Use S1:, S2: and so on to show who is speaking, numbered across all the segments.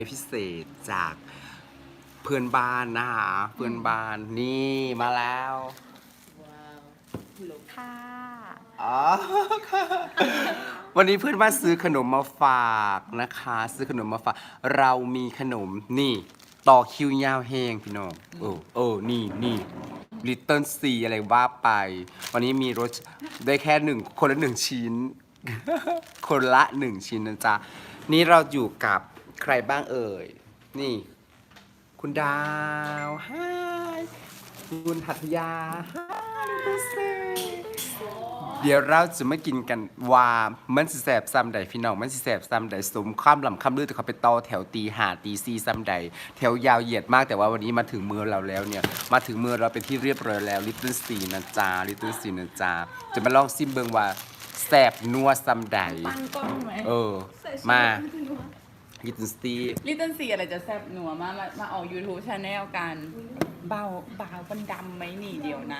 S1: พิเศษจากเพื่อนบ้านนะคะเพื่อนบ้านนี่มาแล้ว
S2: ว้าวฮัลโหลค่ะ
S1: อ๋อค่ะวันนี้เพื่อนบ้านซื้อขนมมาฝากนะคะซื้อขนมมาฝากเรามีขนมนี่ต่อคิวยาวแห้งพี่น้องนี่ลิตเติ้ลซีอะไรว่าไป วันนี้มีรสได้แค่คนละหนึ่งชิ้น คนละหนึ่งชิ้นนะจ๊ะนี่เราอยู่กับใครบ้างเอ่ยนี่ คุณดาวฮายคุณหัตยาฮายเดี๋ยวเราจะมากินกันว่ามันสิแสบซ้ำใดพี่น้องมันสิแสบซ้ำใดสมข้ามลำข้ามลือแต่เขาไปต่อแถวตีห้าตีสี่ซ้ำใดแถวยาวเหยียดมากแต่ว่าวันนี้มาถึงมือเราแล้วเนี่ยมาถึงมือเราเป็นที่เรียบร้อยแล้วลิตเติ้ลซีนะจ๊ะลิตเติ้ลซีนะจ๊ะจะมาลองซิมเบิงว่าแสบนัวซ้ำใด
S2: ตั้งกล้องไหม
S1: มาลิตเติ้ลซี
S2: ลิตเติ้ลซีอะไรจะแซ่บหนัวมาออก YouTube Channel กันเบามันดำไหมนี่เดียวนะ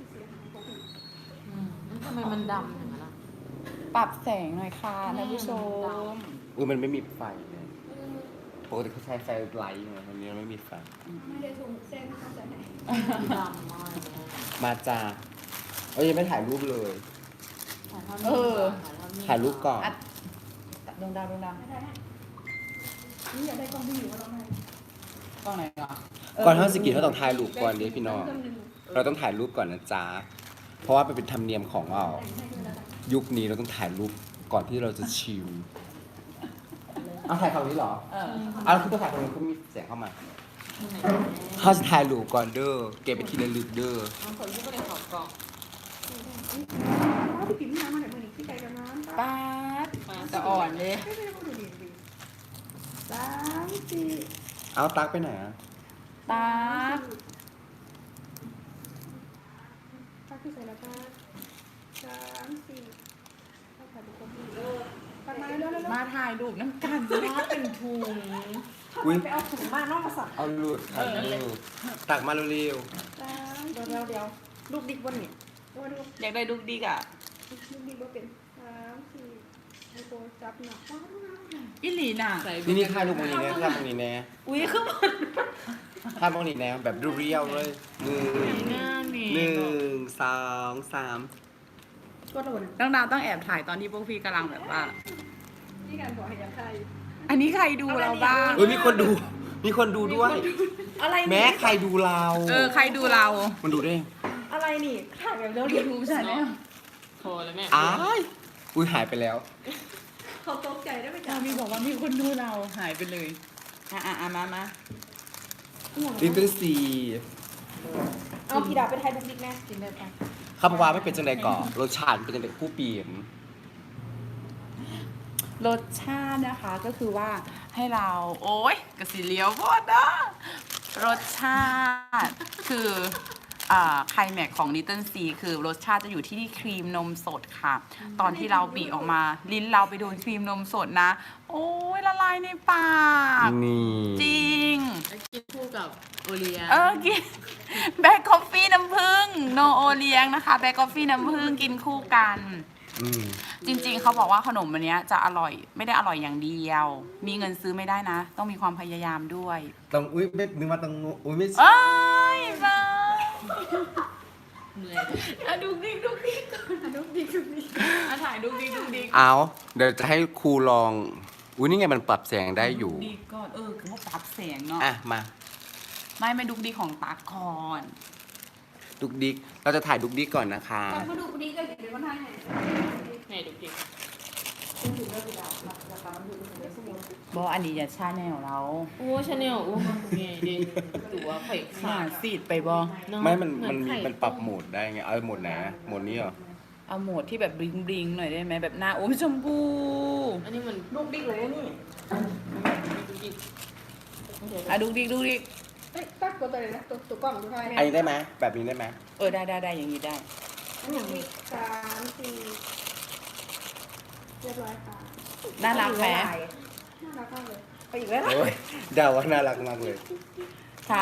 S3: ทำไมมันดำอย่างนั้นล่ะ
S2: ปรับแสงหน่อยค่ะท่านผู้ชม
S1: มันไม่มีไฟเลยปกติเขาใช้ไฟไลท์ไงวันนี้ไม่มีไฟ
S4: ไม่ได้ถุงเส้นเข้าใจไหม
S3: ดำมากเลย
S1: มาจ้ายังไม่ถ่ายรูปเลย ถ่ายรูปก่อน
S2: อัดดวงดาว
S4: ไม่ได้นี่อยากได้กล้องที่อยู่ว่าเราไม่
S2: กล้องไหนก่อน
S1: ก่อนท่านสกิทเขาต้องถ่ายรูปก่อนเดี๋ยวพี่น้อง เราต้องถ่ายรูปก่อนนะจ๊ะ เพราะว่าเป็นธรรมเนียมของเรา ยุคนี้เราต้องถ่ายรูปก่อนที่เราจะชิมเอาถ่ายคำนี้เหรอ เอาคือต้องถ่ายคำนี้เขามีเสียงเข้ามาเขาจะถ่ายรูปก่อนเด้อ เก็บไปทีละลึกเด้อ
S3: น้องคนที่ไม่ได้ขอบกล่อง
S4: ถ้าพี่ปิ่มน้ำมาไหนมือนี้พี่ไก่กับน้ำ
S2: ป๊าดจะอ่อนเลย
S4: ไม่ได้พูดดี3 4
S1: เอาตักไปไหนอ่ะ
S2: ตาด
S4: ถ้าพี่ใส่แล้วก็3 4ถ้าถ่ายบุคคลที่ตัดมาเร็ว
S2: มาถ่ายรูปน้ำกันมาเป็นถุง
S1: อุ้ย
S4: ไปเอาถุงมานอกมาสั่ง
S1: เอาลูกถ่ายรูปตักมาเร็ว
S4: เดี๋ยวลูกดิกวันนี้ดู
S2: อยากได้ลูกดิกอ่ะ
S4: ลูกดิกว่าเป็น3 4ไอโฟจับหนัก
S2: อิหลีน่ะ
S3: ใส่
S1: ๆนี่ถ่ายรูปตรงนี้แน่ถ่ายตรงนี้แน่
S2: อุ้ยขึ้นมา
S1: ถ่ายตรงนี้แน่แบบเรียวๆเลยหนึ่งสองสาม
S4: ก็โดน
S2: ต้องดาวต้องแอบถ่ายตอนที่พวกพี่กำลังแบบว่า
S4: นี่การบอกให้ยัดไทย
S2: อันนี้ใครดูเราบ้าง
S1: มีคนดูด้วย
S4: อะไร
S1: แม้ใครดูเรา
S2: ใครดูเรา
S1: มันดูได้
S4: อะไรนี่ถ่ายแบบเร็ว
S2: ยูทูบชาแนล
S3: โทรเลยแม่
S1: อ้ายอุ้ยหายไปแล้ว
S4: เขาตกใจได้ไหมจ๊ะ
S2: มีบอกว่ามีคนดูเราหายไปเลยมา
S1: ลิตเติ้ลซี
S4: เอาพี่ดาวไปไทยบุกดิกแม่
S2: กินได้ปะ
S1: ข้าพเจ้าไม่เป็นจังใดก่อนรสชาติเป็นจังใดคู่ปีม
S2: รสชาตินะคะก็คือว่าให้เราโอ๊ยกระสีเลี้ยวพอดนะรสชาติคือไคลแม็กของ Little C คือรสชาติจะอยู่ที่ครีมนมสดค่ะ ตอนที่เราบีออกมาลิ้นเราไปโดนครีมนมสดนะ โอ้ยละลายในปาก
S1: นี่
S2: จริง
S3: แล้วกินคู่กับโอเลีย
S2: กินแบล็คคอฟฟี่น้ำผึ้งโนโอเลี้ยงนะคะแบล็คคอฟฟี่น้ำผึ้งกินคู่กัน
S1: อืม
S2: จริงๆเขาบอกว่าขนมอันเนี้ยจะอร่อยไม่ได้อร่อยอย่างเดียว มีเงินซื้อไม่ได้นะ ต้องมีความพยายามด้วย
S1: ต้องอุ้ยไม่นึกว่าต้องอุ้ยไม่
S2: เอ้ยบ้า
S3: เหนื่อย
S2: ดูดิก่อนดูดิถ่ายดูดิ
S1: เอาเดี๋ยวจะให้ครูลองอุ้ยนี่ไงมันปรับแสงได้อยู่
S2: ดีก่อนคือว่าปรับแสงเนาะ
S1: อ่ะมา
S2: ไม่ดุกดีของตาก่อน
S1: ดุกดิกเราจะถ่ายดุกดิกก่อนนะคะ
S4: ตอนมาดูคนนี้ก็เห็นเป็นคนไทยไง
S3: ไหนดูดิ
S4: ถึงเรื่องพี่ดาวราคามันถูกถึงเรื่องสมุน
S2: บอกอันนี้อย่าชาแนลเรา
S3: โอ้ชาแนลโอ้ไงดิตัวไข่
S2: หา
S3: ขาด
S2: สีดไปบอ
S1: ไม่มัน
S3: เห
S1: มัน
S3: ไข่
S1: มันปรับโหมดได้ไงเอาโหมดไหนโหมดนี้เหรอ
S2: เอาโหมดที่แบบบลิงหน่อยได้ไหมแบบหน้าโอ้ยชมพู
S3: อันนี้มัน
S4: ลูกดิกเลยนี่
S3: ดูดิ
S2: ดุกดิก
S4: เฮ้ยตักตัวเลยนะตัวกล้องดูไทย
S1: อันนี้ได้ไหมแบบนี้ได้ไหม
S2: ได้อย่างนี้ได้
S4: อันอย่างนี้3 4เรียบร้อยค่ะ
S2: น่ารักไหม
S4: น่ารักมากเลยไปอีกแล้ว
S1: โอ้ยเดาว่าน่ารักมากเลย
S2: ค่ะ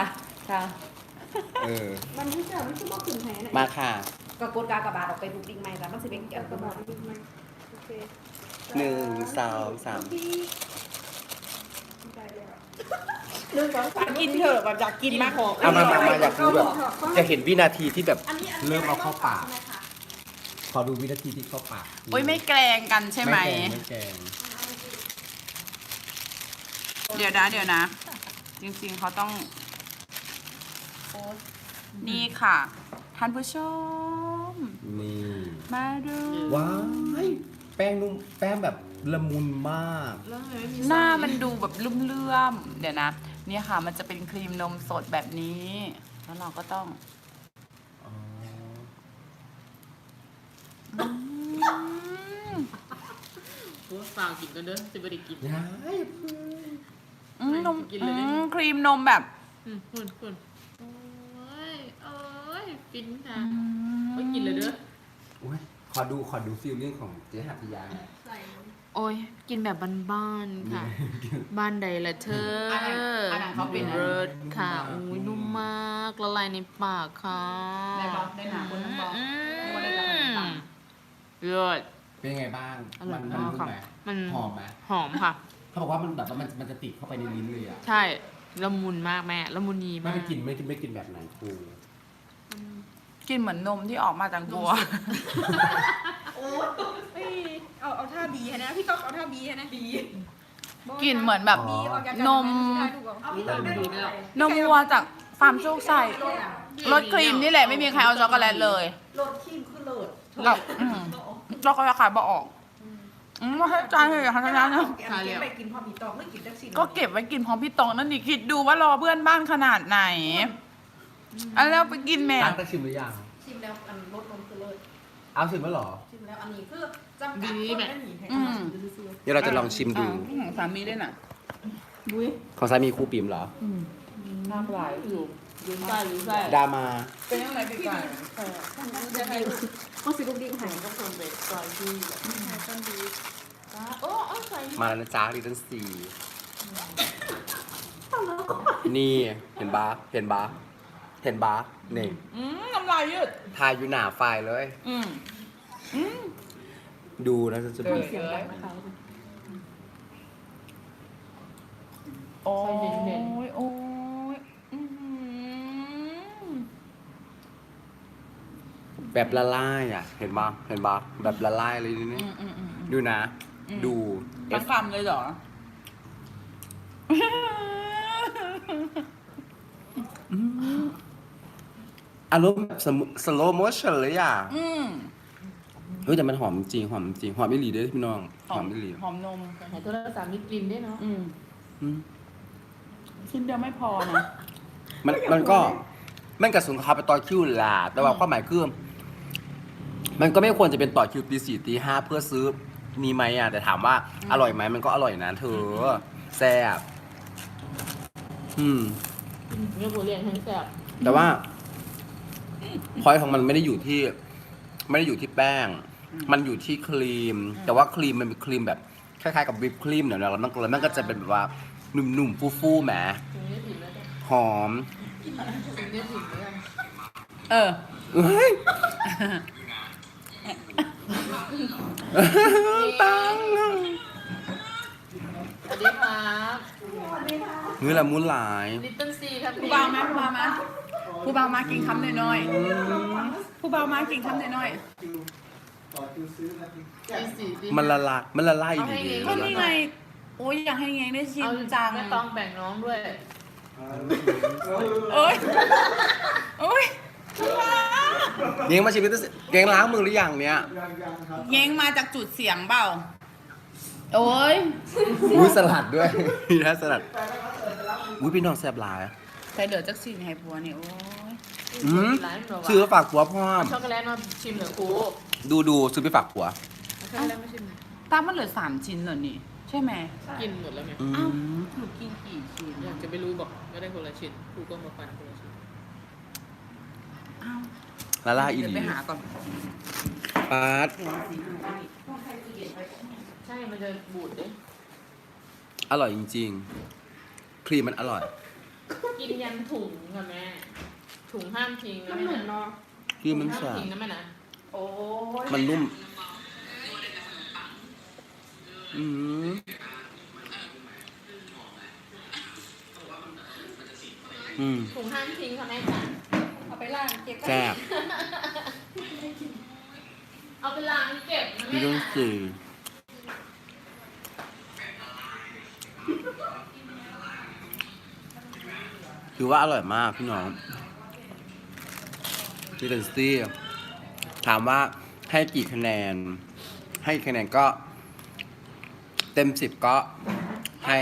S4: มันไม่ใช่มันคือบอกถึงแหน
S1: มาค่ะ
S5: ก็กดกากบาทออกไปบุกดิ้งใหม่จ้ะมันสิเป็น
S4: เกี่ยวกับบอกดิกไหมโอเค
S1: 1 2 3
S4: ที่ได้แล้ว
S2: กินเถอะแบบอยากกินมาก
S1: เอามาอยากดูแบบจะเห็นวินาทีที่แบบเริ่มเอาเข้าปาก ขอดูวินาทีที่เข้าปาก
S2: โอ้ยไม่แกล้งกันใช่ไหม
S1: ไม่แกง
S2: เดี๋ยวนะ จริงๆเขาต้องนี่ค่ะ ท่านผู้ชม
S1: นี่
S2: มาดู
S1: ว้ายแป้งนุ่มแป้งแบบละมุนมาก
S3: แล้วทำไมไม่มี
S2: หน้ามันดูแบบลุ่มเลื่อมเดี๋ยวนะ เนี่ยค่ะ มันจะเป็นครีมนมสดแบบนี้ แล้วเราก็ต้อง
S3: หัวฝากกินกันเด้อจะไม่ได้กิน
S1: ย้าย
S2: นม
S3: กินเลยดิ
S2: ครีมนมแบบ
S3: คุณโอ้ยฟินค่ะก็กินเลยเด้อ
S1: อุ๊ยขอดูฟิลลิ่งของเจ๊หัตถยาหน่อย
S3: โอ้ยกินแบบบ้านๆค่ะ บ้านใดละเธอ
S2: อันไหนเขาเป็น
S3: เลิศค่ะอุ้ยนุ่มมากละลายในปากค่ะ
S2: ได้บอกได้หนาบนน้ำบอก
S3: อื
S2: ไม่ว่าได้จะเป็นปัง
S3: เลิศ
S1: เป็นไงบ้าง
S3: อร่อย
S1: มัน
S3: มาก
S1: นุ่ม
S3: ค่ะ
S1: ไหม
S3: มัน
S1: หอมไหม
S3: หอมค่ะ
S1: เขาบอกว่ามันแบบว่ามันจะติดเข้าไปในลิ้นเลยอ่ะ
S3: ใช่ละมุนมากแม่ละมุนยี
S1: ไม่
S3: มาก
S1: ได้กินไม่กินแบบไหนครู
S2: กินเหมือนนมที่ออกมาจากตัว
S4: เอาท่าบีให้นะพี่ก๊อกเอาท่าบีให้นะบี
S2: กลิ่นเหมือนแบบ
S4: บีออกจาก
S2: นม นมวัวจากฟาร์มโชคชัยรสครีมนี่แหละไม่มีใครเอาช็อกโกแลตเลย
S5: โหลดครีมคือโหลด
S2: แล้วเราก็จะขายบ่ออกไม่ให้จานเลยค่ะท่านนะ
S5: ไปกินพอมีตองไม่กินจักสิ
S2: ก็เก็บไว้กินพร้อมพี่ตองนั่นนี่คิดดูว่ารอเพื่อนบ้านขนาดไหนอันแล้วไปกินแม่
S1: ตั้งแต่ชิมหรือยัง
S5: ชิมแล้วอันรสนมคือโหลด
S1: เอาชิมแล้วเหรอ
S5: ชิมแล้วอันนี้คือจำกัดคนได้หนีให้
S2: อืม
S1: เดี๋ยวเราจะลองชิมดู
S2: ของสามีด้วยน่ะ
S1: ของสามีครูปิ่มเหรอ
S2: น่าหลายอยู่
S3: ยืนใต้หรือใต้
S1: ดามา
S2: เป็นยังไงพี่ไก่
S5: ก็สิลูกดิ้งหาย
S3: ก็ส่งไปซอยที่โอ้เอาใส่
S1: มาแล้วนะจ๊ะดิทันซีนี่เห็นบานี่
S2: น้ำลายยืด
S1: ทายอยู่หนาไฟเลย ดูนะจะ
S2: เกิ
S1: ดู
S2: ดเลยโอ้ยโอ้ย
S1: แบบละลายอ่ะ เห็นปะแบบละลายเลยนี่ดูนะ ดู
S2: ทั้งคำเลยเหรอ
S1: อารมณ์แบบสโลโมชั่นเลยอ่ะเฮ้ยแต่มันหอมจริงหอมไม่หลีด้วยพี่น้องหอมไม่หลี
S2: หอมนม
S3: หายตัวละ3 มีกลิ่นด้วยเนาะ
S2: ชิ้นเดียวไม่พอนะ
S1: มันก็มันกับสุนทรไปต่อคิวล่ะแต่ว่าความหมายคือมันก็ไม่ควรจะเป็นต่อคิวตี 4 ตี 5เพื่อซื้อนี่ไหมอ่ะแต่ถามว่าอร่อยไหมมันก็อร่อยนะเธอแซ่บ
S3: เนื้อผู้เรียนทั้งแซ่บ
S1: แต่ว่าพอยของมันไม่ได้อยู่ที่แป้ง มันอยู่ที่ครีม แต่ว่าครีมมันเป็นครีมแบบคล้ายๆกับวิปครีมเนี่ยแล้วมันก็จะเป็นแบบว่าหนุ่มๆฟูๆแหม
S3: ถึงเนื้อถิ่นแล้วจ้ะ
S1: หอม
S3: ถึงเนื้อถิ่นแล้ว
S2: เออ
S1: เฮ้ยตัง
S3: สวัสดีครับ
S1: เนื้อละมุนหลาย
S3: ลิตเติ้ลซีครับ
S2: ผู้เบามาผู้เบามากินคำน้อยๆผู้เบามากินคำน้อย
S1: มันละลายดี
S2: ๆก็นี่ไงโอ้ยอยากให้ไงได้ชิม
S3: เอา
S2: จัง
S3: ไม่ต้องแบ่งน้องด้วย
S2: โอ้ยโอ้ย
S1: เง้งมาชิมด้วยเง้งล้างมือหรือยังเนี่ย
S2: เย้งมาจากจุดเสียงเปล่าโอ้ย
S1: อุ้ยสลัดด้วยมีนะสลัดอุ้ยพี่น้องแซ่บหลาย
S2: ใส่เหลือจากสิ่งให้ผัวเนี่ยโอ้ย
S3: ร้านหนู
S1: ซื้อฝากผัวพ่อม
S3: ช็อกโกแลตมาชิมเหรอครู
S1: ดูซื้อไปฝากผัว
S3: ช็อกโกแลตไม่ชิม
S2: ตามมันเหลือ3 ชิ้นเหรอนี่ ใช่ไหม
S3: กินหมดแล้วไง
S2: อ้าวหนูกินกี่ชิ้น
S3: อยากจะไปรู้บอกก็ได้คนละชิ้นครูก็มาฟันคนละชิ้น
S2: อ้าว
S1: ละลายอี
S2: เดี๋ยว
S1: ห
S2: ไป
S1: ลี
S2: หาก่อน
S1: ปาด
S3: ใช่มันจะบูดด้วย
S1: อร่อยจริงๆ ครีมมันอร่อย
S3: กินยันถุงค่ะแม่ถุงห้ามทิ้งนะ
S5: มัน
S3: แม่
S5: เหมือน
S3: นะ
S5: เนาะ
S1: ครีมมัน
S3: ห้าม
S1: สา
S3: ทิ้งนะแม่นะ
S5: โอ้ย
S1: มันนุ่มอืม
S3: ถุงห้ามทิ้งเขาแน่จ้ะ
S4: เอาไปล้างเก็บไว้
S1: แซ่บ
S3: เอาไปล้างเก็บนะ
S1: พี่
S3: แม่
S1: ต้องสื่อถือว่าอร่อยมากพี่น้องพี่เดนซี่ถามว่าให้กี่คะแนน ให้คะแนนก็เต็ม 10 ก็ให้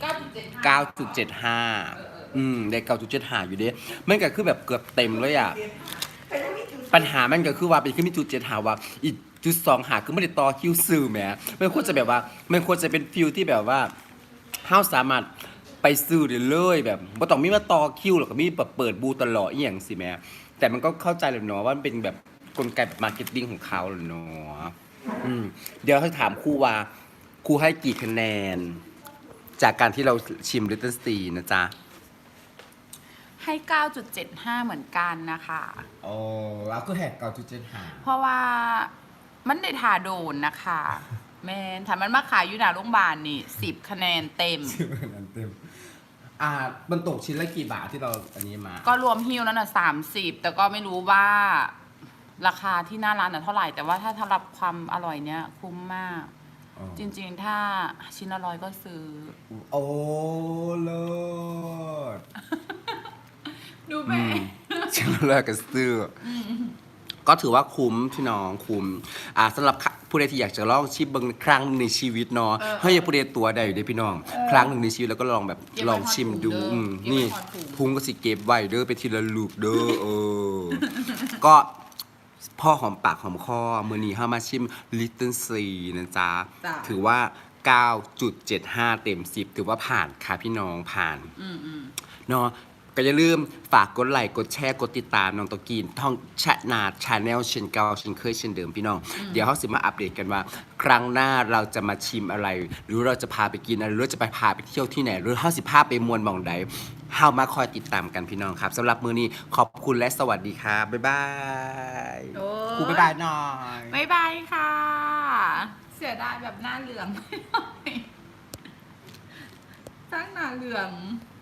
S1: 9.75ได้9.75อยู่เด้มันก็คือแบบเกือบเต็มเลยอ่ะ ปัญหามันก็คือว่าเป็นขึ้นมีจุด7หาว่าอีกจุด2หาคือไม่ได้ต่อคิวซื้อแหมมันควรจะแบบว่ามันควรจะเป็นฟิลที่แบบว่าเฮาสามารถไปซื้อได้เลยแบบบ่ต้องมีมาต่อคิวหรอกก็มีแบบเปิดบูธตลอดอีหยังสิแหมแต่มันก็เข้าใจเลยเนาะว่ามันเป็นแบบกลไกแบบมาร์เก็ตติ้งของเขาแหละเนาะเดี๋ยวให้ถามครูว่าครูให้กี่คะแนน จากการที่เราชิมลิตเติ้ลซีนะจ๊ะ
S2: ให้ 9.75 เหมือนกันนะคะ
S1: โอ้แล้วก็แหก9.75
S2: เพราะว่ามันได้ทาโดนนะคะ แมนถ้ามันมาขายอยู่หน้าโรงพยาบาลนี่ 10 คะแนนเต็ม
S1: นั้นเต็มมันตกชิ้นละกี่บาทที่เราอันนี้มา
S2: ก็รวมฮิ้วนั้นน่ะ30 แต่ก็ไม่รู้ว่าราคาที่หน้าร้านน่ะเท่าไหร่ แต่ว่าถ้าสำหรับความอร่อยเนี้ยคุ้มมาก
S1: อ๋อ
S2: จริงๆ ถ้าชิ้นละ100ก็ซื้อ
S1: โอ้เลิศ
S2: ดูแม่
S1: ชิ้นละร้อยก็ซื้ออก็ถือว่าคุ้มพี่น้องคุ้มสำหรับผู้ใดที่อยากจะลองชิมเบางครั้งหนึ่งในชีวิตเนาะเฮ้ยผู้ใดตัวใดอยู่เด้พี่น้อง ครั้งหนึ่งในชีวิตแล้วก็ลองแบบ
S2: เก็บไว้
S1: ลองชิมดู
S2: ทอดถุงเด้อ
S1: อืม
S2: เก็บไว้
S1: นี่
S2: ทอดถุง
S1: พุงก็สิเก็บไว้เด้อไปทีละลูกเด้อก็พ่อหอมปากหอมคอมือนี้เข้ามาชิม Little C นะจ๊ะ
S2: จ้ะ
S1: ถือว่า 9.75 เต็ม 10 ถือว่าผ่านค่ะพี่น้องผ่าน เนาะก็อย่าลืมฝากกดไลค์กดแชร์กดติดตามน้องตะกีนท่องชนาชาแนลเช่นเก่าเช่นเคยเช่นเดิมพี่น้อง เดี๋ยวเขาสิมาอัปเดตกันว่า ครั้งหน้าเราจะมาชิมอะไร หรือเราจะพาไปกินอะไรหรือจะไปพาไปเที่ยวที่ไหน หรือเขาสิพาไปมวนหมองใดเฮามาคอยติดตามกันพี่น้องครับสำหรับมือนี้ขอบคุณและสวัสดีครับบ๊ายบาย
S2: โอ้ย
S1: ครูบ๊ายบายหน่อย
S2: บ๊ายบายค่ะ เสียดายแบบหน้าเหลือง ตั้งหน้าเหลือง